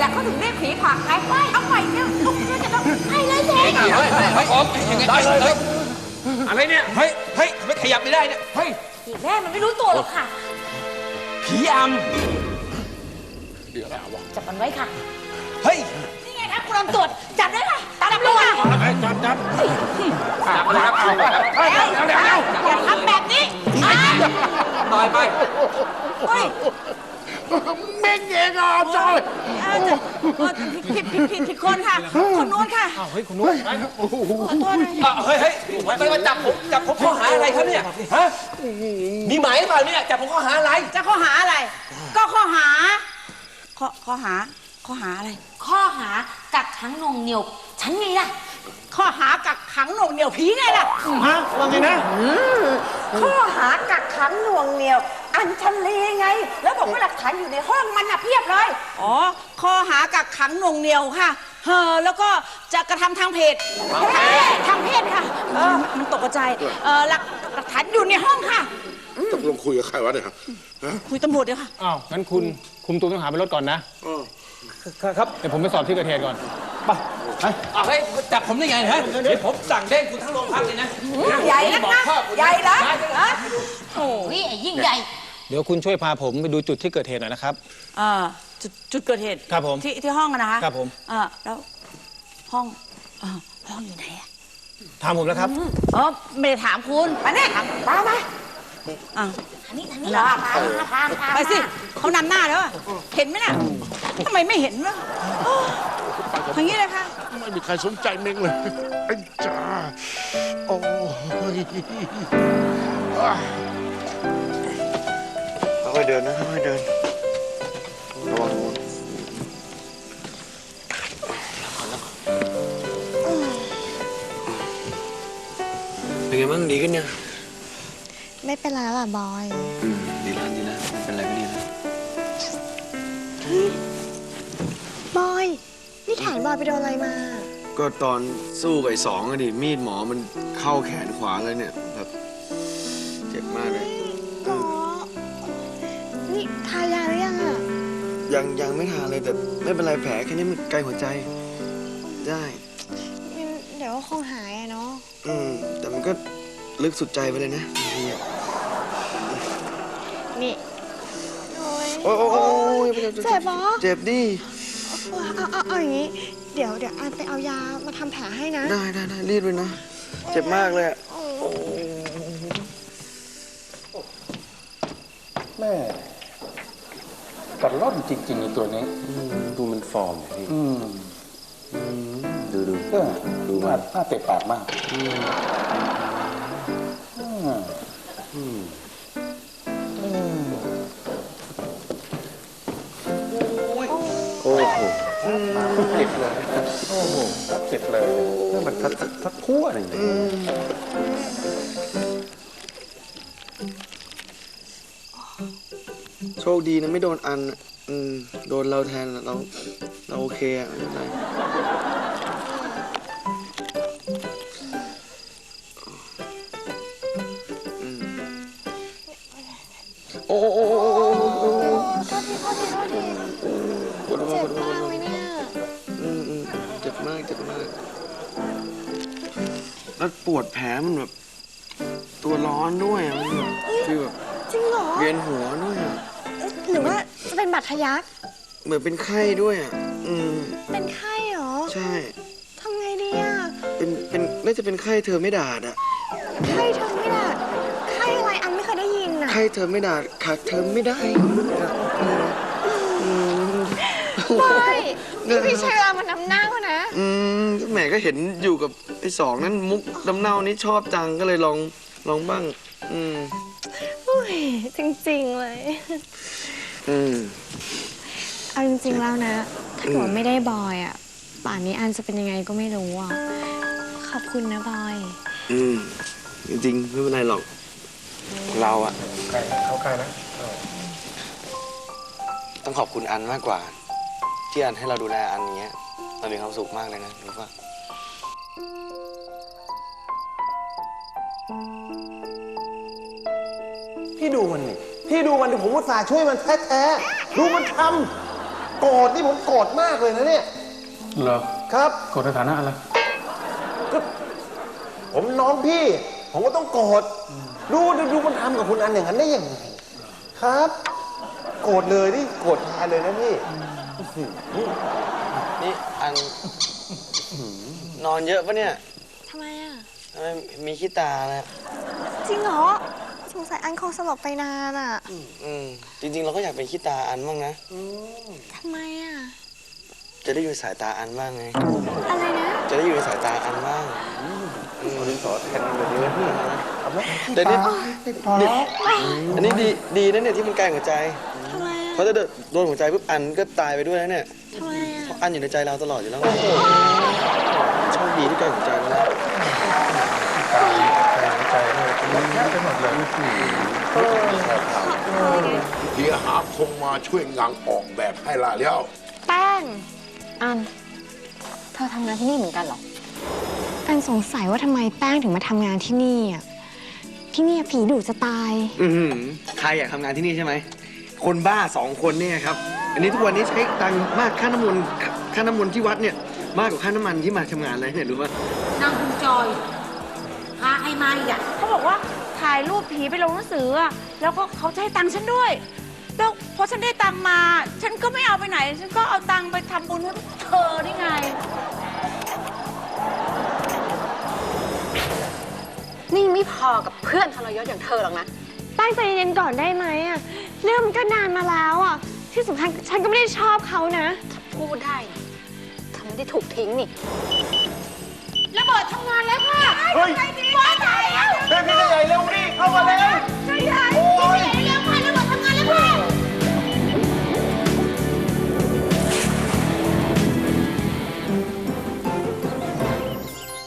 เขาถึงเรียกผีผลักไงเอาใหม่เนี่ยเราจะต้องให้เลยเจ๊เฮ้ยได้เลยอะไรเนี่ยเฮ้ยไม่ขยับไม่ได้เนี่ยเฮ้ยผีแม่มันไม่รู้ตัวหรอกค่ะผีอำจับมันไว้ค่ะเฮ้ยนี่ไงครับคุณตำรวจจับได้ค่ะจับเลยค่ะจับเลยครับอย่าทำแบบนี้ต่อยไปเฮ้ยเม่งเองอ่ะจอยผิดคนค่ะคนนู้นค่ะเฮ้ยคุณนุ้ยขอโทษนะเฮ้ยไม่มาจับผมข้อหาอะไรครับเนี่ยฮะมีหมายหรือเปล่าเนี่ยจับผมข้อหาอะไรจะข้อหาอะไร ก็ข้อหาอะไรข้อหากักขังหน่วงเหนี่ยวฉันไงล่ะข้อหากักขังหน่วงเหนี่ยวผีไงล่ะฮะว่าไงนะข้อหากักขังหน่วงเหนี่ยว อัญชันลีไง แล้วบอกว่าหลักฐานอยู่ในห้องมันน่ะเพียบเลยอ๋อข้อหากักขังหน่วงเหนี่ยวค่ะแล้วก็จะกระทำทางเพศทางเพศค่ะมันตกใจหลักฐานอยู่ในห้องค่ะตกลงคุยกับใครวะเนี่ยฮะคุยตำรวจเดี๋ยวค่ะอ้าว งั้นคุณคุมตัวต้องหาไปรถก่อนนะครับเดี๋ยวผมไปสอบที่เกิดเหตุก่อนเฮ้ยจับผมได้ไงฮะเดี๋ยวผมสั่งเด้งคุณทั้งโรงพักเลยนะใหญ่นักนะใหญ่นะโอ้นี่ไอ้ยิ่งใหญ่เดี๋ยวคุณช่วยพาผมไปดูจุดที่เกิดเหตุหน่อยนะครับจุดเกิดเหตุครับผมที่ห้องนะคะครับผมแล้วห้องอยู่ไหนอะถามผมแล้วครับไม่ได้ถามคุณไปเนี่ยไปทางนี้ไปสิเขานำหน้าแล้วอะเห็นไหมน่ะทำไมไม่เห็นวะทางนี้เลยค่ะไม่มีใครสนใจเม่งเลยไอ้จ้าโอ้ยค่อยๆเดินนะค่อยๆเดินระวังเป็นไงบ้างดีขึ้นยังไม่เป็นไรแล้วล่ะบอยดีแล้วดีแล้วไม่เป็นไรก็ดีแล้วบอย นี่แขนบอยไปโดนอะไรมาก็ตอนสู้กับไอ้สองอะดิมีดหมอมันเข้าแขนขวาเลยเนี่ยแบบเจ็บมากเลยหรอ นี่ทายาหรือยังอะยังไม่ทานเลยแต่ไม่เป็นไรแผลแค่นี้มันไกลหัวใจได้เดี๋ยวก็คงหายอะเนาะแต่มันก็ลึกสุดใจไปเลยนะบางทีอะนี่ โอ้โอ้ยโอ้ยเจ็บเหรอเจ็บดิเอาอย่างนี้ เดี๋ยวอันไปเอายามาทำแผลให้นะได้รีบเลยนะเจ็บมากเลยอะแม่กัดร่อนจริงๆในตัวนี้ดูมันฟอร์มพี่ดูดูมากน่าเตะปากมากโอ้โหเจ็บเลยโอ้โหเจ็บเลยนี่มันทัดทั่วเลยโชคดีนะไม่โดนอันโดนเราแทนเราโอเคอะไม่เป็นไรโอ้โหโทษทีเจ็บมากเลยเนี่ยเจ็บมากแล้วปวดแผลมันแบบตัวร้อนด้วยอะมันแบบคือแบบจริงเหรอเวียนหัวด้วยอะหรือว่าจะเป็นบาดทะยักเหมือนเป็นไข้ด้วยอ่ะเป็นไข้เหรอใช่ทำไงดีอะเป็นน่าจะเป็นไข้เธอไม่ด่าอ่ะไข้เธอไม่ได้ไข้อะไรอันไม่เคยได้ยินอะไข้เธอไม่ด่าขาดเธอไม่ได้บอยนี่พี่ใช้เวลามานำหน้าเขานะแหมก็เห็นอยู่กับไอ้สองนั่นมุกดำเน่านี่ชอบจังก็เลยลองบ้างอุ้ยจริงๆเลยเอาจริงๆแล้วนะ ถ้าเกิดไม่ได้บอยอ่ะ ป่านนี้อันจะเป็นยังไงก็ไม่รู้อ่ะ ขอบคุณนะบอยจริงๆไม่เป็นไรหรอก เราอะเข้าใกล้นะต้องขอบคุณอันมากกว่า ที่อันให้เราดูแลอันอย่างเงี้ยเรามีความสุขมากเลยนะรู้ป่ะพี่ดูมันนี่พี่ดูมันที่ผมอุตส่าห์ช่วยมันแท้ๆดูมันทโกรธนี่ผมโกรธมากเลยนะเนี่ยเหรอครับกดสถานะอะไรผมน้องพี่ ผมก็ต้องโกรธดูมันทำกับคุณอันอย่างนั้นได้ยังไงครับ โกรธเลยนี่โกรธแทนเลยนะพี่นี่อันนอนเยอะปะเนี่ยทำไมอ่ะทำไมมีขี้ตาแล้วจริงเหรอ สงสัยอันคงสลบไปนานอ่ะจริงๆ เราก็อยากเป็นขี้ตาอันบ้างนะทำไมอ่ะจะได้อยู่สายตาอันบ้างไงอะไรนะจะได้อยู่ในสายตาอันบ้างเอาดินสอแทนเลยดีไหมพี่เอาไหมแต่นี่อันนี้ดีนะเนี่ยที่มันใกล้หัวใจทำไมอ่ะเพราะถ้าโดนหัวใจปุ๊บอันก็ตายไปด้วยนะเนี่ยทำไมอ่ะเพราะอันอยู่ในใจเราตลอดอยู่แล้วไงโชคดีที่ใกล้หัวใจแล้วนะเฮียหาคงมาช่วยงานออกแบบให้ละแล้วแป้งอัน เธอทำงานที่นี่เหมือนกันเหรออันสงสัยว่าทำไมแป้งถึงมาทำงานที่นี่อ่ะ ที่นี่ผีดุจะตายใครอยากทำงานที่นี่ใช่ไหม คนบ้า2 คนเนี่ยครับ อันนี้ทุกวันนี้ใช้ตังค์มากค่าน้ำมนต์ที่วัดเนี่ยมากกว่าค่าน้ำมันที่มาทำงานเลยเนี่ยรู้ป่ะนางคุณจอย พาใครมาอีกอะเขาบอกว่าถ่ายรูปผีไปลงหนังสืออะแล้วก็เขาจะให้ตังค์ฉันด้วย แล้วพอฉันได้ตังค์มา ฉันก็ไม่เอาไปไหน ฉันก็เอาตังค์ไปทำบุญให้เธอนี่ไงนี่ไม่พอกับเพื่อนทรยศอย่างเธอหรอกนะแป้งใจเย็นๆก่อนได้ไหมอ่ะ เรื่องมันก็นานมาแล้วอ่ะ ที่สำคัญฉันก็ไม่ได้ชอบเขานะพูดได้เธอไม่ได้ถูกทิ้งนี่ระเบิดทำงานแล้วค่ะเฮ้ยว้ายตายแล้วเฮ้ยพี่ใหญ่เร็วดิเข้ามาเร็วใหญ่โอ้ย